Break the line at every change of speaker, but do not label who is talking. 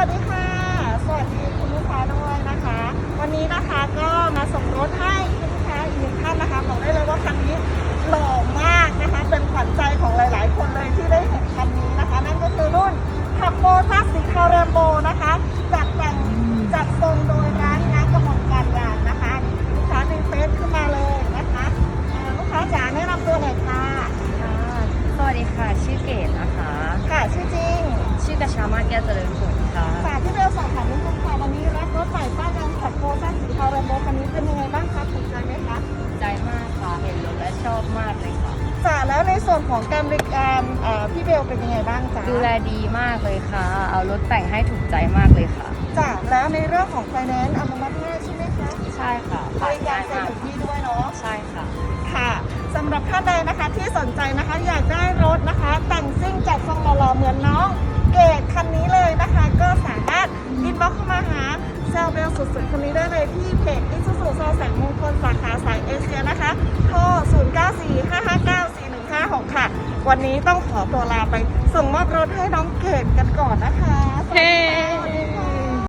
วัสดีค่ะสวัสดีคุณลูกค้าด้วยนะคะวันนี้นะคะก็มาส่งรถให้คุณลูกค้าอีกหนึ่งท่านนะคะบอกได้เลยว่าคันนี้หล่อมากนะคะเป็นขวัญใจของหลายๆคนเลยที่ได้เห็นคันนี้นะคะนั่นก็คือรุ่นขับโมทัสสีคาร์เรมโบนะคะจัดแต่งจัดทรงโดยร้านนักกระหม่อมการยานนะคะลูกค้าดึงเฟซขึ้นมาเลยนะคะลูกค้าจ๋าแนะนำตัวหน่อยค่ะ
สวัสดีค่ะชื่อเกดนะคะ
ค่ะชื่อจริง
ชื่อกระชามาแก้วเจริญผลค่ะ
ค่ะที่เบลสอบถามนิดนึงค่ะวันนี้รับรถใหม่ป้ายแดงขับโมทัสสีคาร์เรมโบคันนี้เป็นยังไงบ้างคะถูกใจไหมคะ
ใจมากค่ะเห็นรถและชอบมากเลยค่ะ
จ้ะแล้วในส่วนของการบริการพี่เบลเป็นยังไงบ้างจ๊ะ
ดูแลดีมากเลยค่ะเอารถแต่งให้ถูกใจมากเลยค่ะ
จ้ะแล้วในเรื่องของไฟแนนซ์อนุมัติง่ายใช่ไหมคะ
ใช่ค่ะ
บริการเซ็นถึงที่ด้วยเนาะ
ใช่ค่ะ
ค่ะสำหรับท่านใดนะคะที่สนใจนะคะอยากได้รถนะคะแต่งซิ่งจัดทรงหล่อๆเหมือนน้องเกดคันนี้เลยนะคะก็สามารถอินบ็อกซ์เข้ามาหาเซลเบลสุดๆคนนี้ได้เลยที่เพจอิซูซูซอแสงมงคลสาขาสายเอเชียนะคะโทร 0945594156 ค่ะวันนี้ต้องขอตัวลาไปส่งมอบรถให้น้องเกดกันก่อนนะคะ
เฮ้